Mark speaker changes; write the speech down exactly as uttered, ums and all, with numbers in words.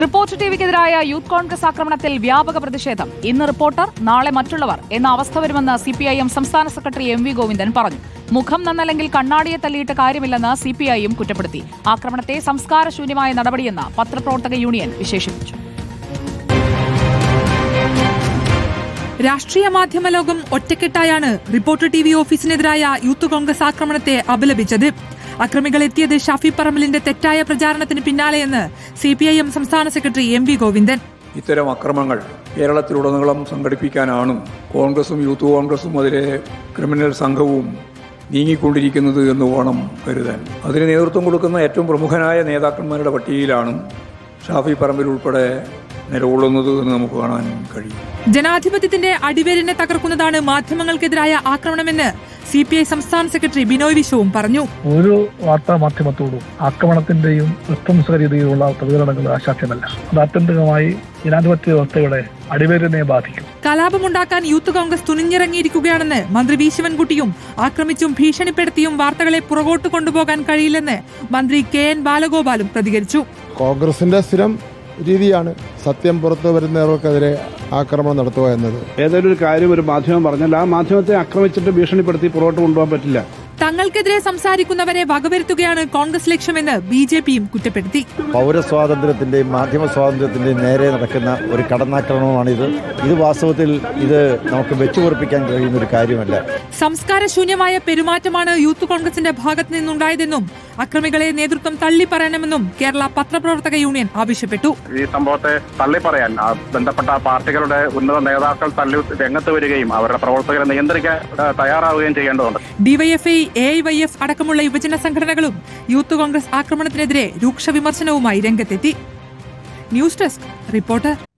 Speaker 1: Reporter ടിവിക്കെതിരായ youth Congress ആക്രമണത്തിൽ വ്യാപക പ്രതിഷേധം. ഇന്ന് റിപ്പോർട്ടർ, നാളെ മറ്റുള്ളവർ എന്ന അവസ്ഥ വരുമെന്ന് സിപിഐഎം സംസ്ഥാന സെക്രട്ടറി എം വി ഗോവിന്ദൻ പറഞ്ഞു. മുഖം നന്നല്ലെങ്കിൽ കണ്ണാടിയെ തല്ലിയിട്ട് കാര്യമില്ലെന്ന് സിപിഐഎം കുറ്റപ്പെടുത്തി. ആക്രമണത്തെ സംസ്കാരശൂന്യമായ നടപടിയെന്ന് പത്രപ്രവർത്തക യൂണിയൻ വിശേഷിപ്പിച്ചു.
Speaker 2: രാഷ്ട്രീയ മാധ്യമ ലോകം ഒറ്റക്കെട്ടായാണ് റിപ്പോർട്ടർ ടി വി ഓഫീസിനെതിരായ യൂത്ത് കോൺഗ്രസ് ആക്രമണത്തെ അപലപിച്ചത്. അക്രമികൾ എത്തിയത് ഷാഫി പറമ്പലിന്റെ തെറ്റായ പ്രചാരണത്തിന് പിന്നാലെയെന്ന് സിപിഐഎം സംസ്ഥാന സെക്രട്ടറി എം വി ഗോവിന്ദൻ.
Speaker 3: ഇത്തരം അക്രമങ്ങൾ കേരളത്തിലുടനീളം സംഘടിപ്പിക്കാനാണ് കോൺഗ്രസും യൂത്ത് കോൺഗ്രസും അതിലെ ക്രിമിനൽ സംഘവും നീങ്ങിക്കൊണ്ടിരിക്കുന്നത് എന്ന് വേണം കരുതാൻ. അതിന് നേതൃത്വം കൊടുക്കുന്ന ഏറ്റവും പ്രമുഖനായ നേതാക്കന്മാരുടെ പട്ടികയിലാണ് ഷാഫി പറമ്പിൽ ഉൾപ്പെടെ നിലകൊള്ളുന്നത് എന്ന് നമുക്ക് കാണാൻ കഴിയും.
Speaker 2: ജനാധിപത്യത്തിന്റെ അടിവേരിനെ തകർക്കുന്നതാണ് മാധ്യമങ്ങൾക്കെതിരായ ആക്രമണമെന്ന് സി പി ഐ സംസ്ഥാന സെക്രട്ടറി ബിനോയ് വിശ്വവും പറഞ്ഞു.
Speaker 4: ഒരു വാർത്താ മാധ്യമത്തോടും ആക്രമണത്തിന്റെയും നിഷ്പംസരീതിയിലുള്ള പ്രതികരണങ്ങൾ അശാസ്യമല്ല. അത് ആത്യന്തികമായി ജനാധിപത്യ വ്യവസ്ഥയുടെ അടിവേരിനെ ബാധിക്കും.
Speaker 2: കലാപമുണ്ടാക്കാൻ യൂത്ത് കോൺഗ്രസ് തുനിഞ്ഞിറങ്ങിയിരിക്കുകയാണെന്ന് മന്ത്രി വി ശിവൻകുട്ടിയും ആക്രമിച്ചും ഭീഷണിപ്പെടുത്തിയും വാർത്തകളെ പുറകോട്ട് കൊണ്ടുപോകാൻ കഴിയില്ലെന്ന് മന്ത്രി കെ എൻ ബാലഗോപാലും പ്രതികരിച്ചു.
Speaker 5: കോൺഗ്രസിന്റെ സ്ഥിരം രീതിയാണ് സത്യം പുറത്തു വരുന്നവർക്കെതിരെ ആക്രമണം നടത്തുക എന്നത്.
Speaker 6: ഏതൊരു കാര്യം ഒരു മാധ്യമം പറഞ്ഞാൽ ആ മാധ്യമത്തെ ആക്രമിച്ചിട്ട് ഭീഷണിപ്പെടുത്തി പുറകോട്ട് കൊണ്ടുപോകാൻ പറ്റില്ല.
Speaker 2: തങ്ങൾക്കെതിരെ സംസാരിക്കുന്നവരെ വകവരുത്തുകയാണ് കോൺഗ്രസ് ലക്ഷ്യമെന്ന് ബി ജെ പിയും കുറ്റപ്പെടുത്തി.
Speaker 7: പൗരസ്വാതന്ത്ര്യത്തിന്റെയും മാധ്യമ സ്വാതന്ത്ര്യത്തിന്റെയും നേരെ നടക്കുന്ന ഒരു കടന്നാക്രമണമാണിത്. ഇത് വാസ്തവത്തിൽ ഇത് നമുക്ക് വെച്ചുപൊറിപ്പിക്കാൻ കഴിയുന്ന ഒരു കാര്യമല്ല.
Speaker 2: സംസ്കാരശൂന്യമായ പെരുമാറ്റമാണ് യൂത്ത് കോൺഗ്രസിന്റെ ഭാഗത്തു നിന്നുണ്ടായതെന്നും അക്രമികളെ നേതൃത്വം തള്ളിപ്പറയണമെന്നും കേരള പത്രപ്രവർത്തക യൂണിയൻ ആവശ്യപ്പെട്ടു.
Speaker 8: ഈ സംഭവത്തെ തള്ളിപ്പറയാൻ ബന്ധപ്പെട്ട പാർട്ടികളുടെ ഉന്നത നേതാക്കൾ തള്ളി രംഗത്ത് വരികയും അവരുടെ പ്രവർത്തകരെ നിയന്ത്രിക്കാൻ തയ്യാറാവുകയും ചെയ്യേണ്ടതുണ്ട്.
Speaker 2: DYFI, A I Y F അടക്കമുള്ള യുവജന സംഘടനകളും യൂത്ത് കോൺഗ്രസ് ആക്രമണത്തിനെതിരെ രൂക്ഷ വിമർശനവുമായി രംഗത്തെത്തി. News desk reporter.